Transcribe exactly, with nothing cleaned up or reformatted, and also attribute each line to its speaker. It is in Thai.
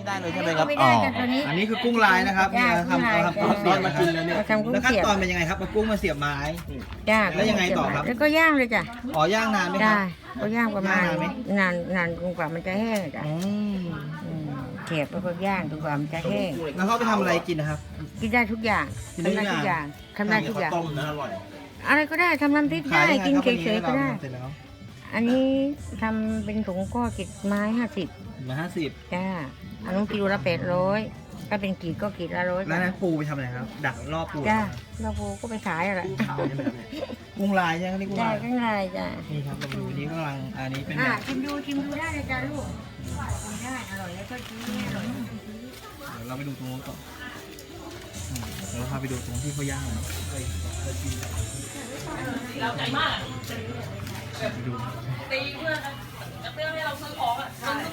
Speaker 1: ได้เลยใช่ไหมครับ
Speaker 2: ไม่
Speaker 1: อ๋
Speaker 2: ได้
Speaker 1: อ
Speaker 2: กันตัวนี้
Speaker 3: อันนี้คือกุ้งลายนะครับ
Speaker 2: จ้า
Speaker 3: เนี่ย
Speaker 2: กุ้ง
Speaker 3: ทำ
Speaker 2: ลาย
Speaker 3: ทำกุ้งเสียบมากินแล้วเนี่ย
Speaker 2: เราทำกุ้ง
Speaker 3: แล้วขั้น
Speaker 2: เสียบ
Speaker 3: ตอนเป็นยังไงครับเอากุ้งมาเสียบไม้
Speaker 2: จ้า
Speaker 3: แล้วยังไงต่อครับ
Speaker 2: แล้วก็ย่างเลยจ้ะ
Speaker 3: อ๋อย่างนานไหมครั
Speaker 2: ได้
Speaker 3: บ
Speaker 2: ก็ย่างประมาณ
Speaker 3: ย่างนานไหม
Speaker 2: นานนานจนกว่ามันจะแห้งจ้ะ
Speaker 3: อืม
Speaker 2: อืมเสียบแล้วก็ย่างจนกว่ามันจะแห้ง
Speaker 3: แล้วเขาเอาไปทำอะไรกินนะครับ
Speaker 2: กินได้ทุกอย่าง
Speaker 3: กินได้
Speaker 2: ทำได้
Speaker 3: ทุ
Speaker 2: ทุ
Speaker 3: ก
Speaker 2: ก
Speaker 3: อ
Speaker 2: อย่าง ย่างทำได้ทุกอย่าง
Speaker 1: ต้มนะอร่อย
Speaker 2: อะไรก็ได้ทำน้ำพริก
Speaker 3: ขา
Speaker 2: ได้
Speaker 3: ยยังไง
Speaker 2: กิน
Speaker 3: ครับ
Speaker 2: เฉ
Speaker 3: วันนี้
Speaker 2: ยๆก็ได้
Speaker 3: เราทำเสร็จแล้ว
Speaker 2: อันนี้ทำเป็นถุงก็กิดไม้ห้าสิบ
Speaker 3: มาห้าสิบ
Speaker 2: จ้าอันนู้นกิโลละแปดร้อยถ้าเป็นกีดก็กีดละร้อย
Speaker 3: แล้วนั้นปูไปทำอะไรครับ ดักรอบปู
Speaker 2: จ้าเราโบก็ไปขายอะไร
Speaker 3: กุ้งลายใช่ไหมครับนี่กุ้ง
Speaker 2: ได้
Speaker 3: ลาย
Speaker 2: ก็ง่ายจ้า
Speaker 3: นี่ครับเราดูอันนี้กำลังอันนี้เป็นแบ
Speaker 2: อ่า
Speaker 3: บ
Speaker 2: ชิมดูชิมดูได้เลยจ้าลูกชิมได้อร่อยแล้วก็ชิ้นนี้อร่อย
Speaker 3: เดี๋ยวเราไปดูตรงนู้นก่อนอืมเดี๋ยวเราพาไปดูตรงที่เขาย่างหน่อยไปดู
Speaker 4: ตีเพื่อนจะเพื่อให้เราซื้อของอ่ะมัน